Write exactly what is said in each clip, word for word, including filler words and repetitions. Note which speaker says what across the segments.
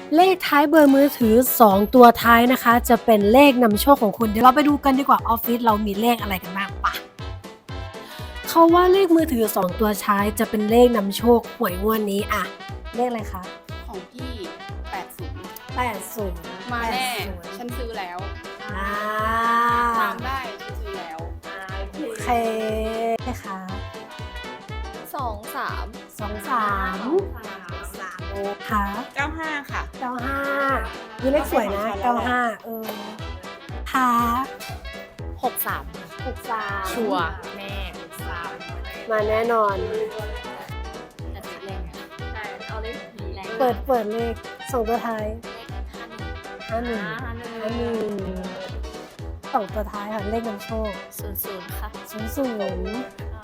Speaker 1: เลขท้ายเบอร์มือถือสองตัวท้ายนะคะจะเป็นเลขนำโชคของคุณเดี๋ยวเราไปดูกันดีกว่าออฟฟิศเรามีเลขอะไรกันบ้างปะเขาว่าเลขมือถือสองตัวท้ายจะเป็นเลขนำโชคหวยงวดนี้อะเลขอะไรคะ
Speaker 2: ของพี่แปดสิบ
Speaker 1: แปดศูนย์
Speaker 2: มาแน่
Speaker 1: แปดศูนย์
Speaker 2: ฉันซื้อแล้ว
Speaker 1: อ่า
Speaker 2: ตามได้ฉันซื้อแล้ว
Speaker 1: โอเคค่ะ
Speaker 3: สองสาม
Speaker 1: สองสามสามโอค่ะ
Speaker 2: เก้าห้าค่ะ
Speaker 1: เก้าห้ามีเลขสวยนะเก้าห้าเออค่ะ
Speaker 3: หกสาม
Speaker 1: หกสาม
Speaker 3: ชัวร์แน่สาม
Speaker 1: มาแน่นอน
Speaker 3: แต่ติดแรงอะใช่เอาเลขผีแรง
Speaker 1: เปิดเปิดเลขสองตัวท้าย
Speaker 3: ห้าหนึ่ง
Speaker 1: ห้าหนึ่ง
Speaker 3: ห้าหนึ่ง
Speaker 1: ห้าหนึ่งสองตัวท้ายค่ะเลขนำโชค
Speaker 3: ศูนย์ศูนย์ค่ะ
Speaker 1: ศูนย์ศูนย์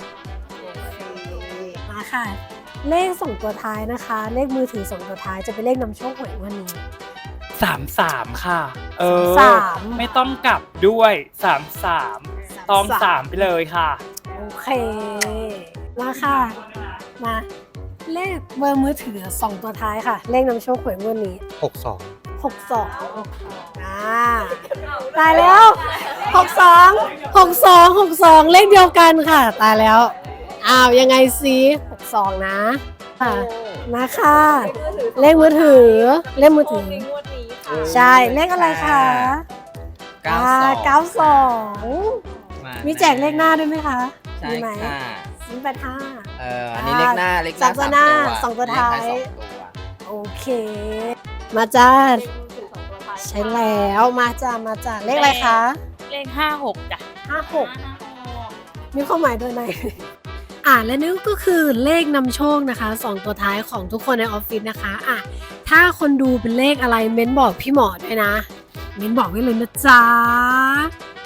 Speaker 1: มาค่ะ เลขสองตัวท้ายนะคะ เลขมือถือสองตัวท้ายจะเป็นเลขนำโชคหวยวันนี้
Speaker 4: สามสามค่ะ เออ
Speaker 1: สาม
Speaker 4: ไม่ต้องกลับด้วยสามสามตองสามไปเลยค่ะ
Speaker 1: โอเค มาค่ะ มา เลขเบอร์มือถือสองตัวท้ายค่ะ เลขนำโชคหวยงวดนี้
Speaker 5: หกสอง
Speaker 1: หกสองอ่าตายแล้วหกสองหกสองหกสองเลขเดียวกันค่ะ ตายแล้วอ้าวยังไงสิหกสองนะค่ะมาค่ะ เลขมือถือ เลขมือถือ ใช่เลขอะไรคะ
Speaker 5: เก้า
Speaker 1: อ่า
Speaker 5: สอง
Speaker 1: เก้าสอง
Speaker 5: า
Speaker 1: มีแจกเลขหน้าด้วยไหมคะ
Speaker 5: ใช่
Speaker 1: มีไหม
Speaker 5: ค่ะ
Speaker 1: ศูนย์แปดห้า
Speaker 5: เอออันนี้เลขหน้าเลขหน้า
Speaker 1: สองตัวหน้าสองตัวท้าย
Speaker 5: เลขท้ายสองตัว
Speaker 1: โอเค มาจ้าใช่แล้วมาจ้ามาจ้าเลขอะไรคะ
Speaker 3: เลขห้าหกจ้ะ
Speaker 1: ห้าหกมีความหมายด้วยไหม อ่าและนี่ก็คือเลขนำโชคนะคะสองตัวท้ายของทุกคนในออฟฟิศนะคะอ่ะถ้าคนดูเป็นเลขอะไรเม้นบอกพี่หมอด้วยนะ เม้นบอกไว้เลยนะจ๊ะ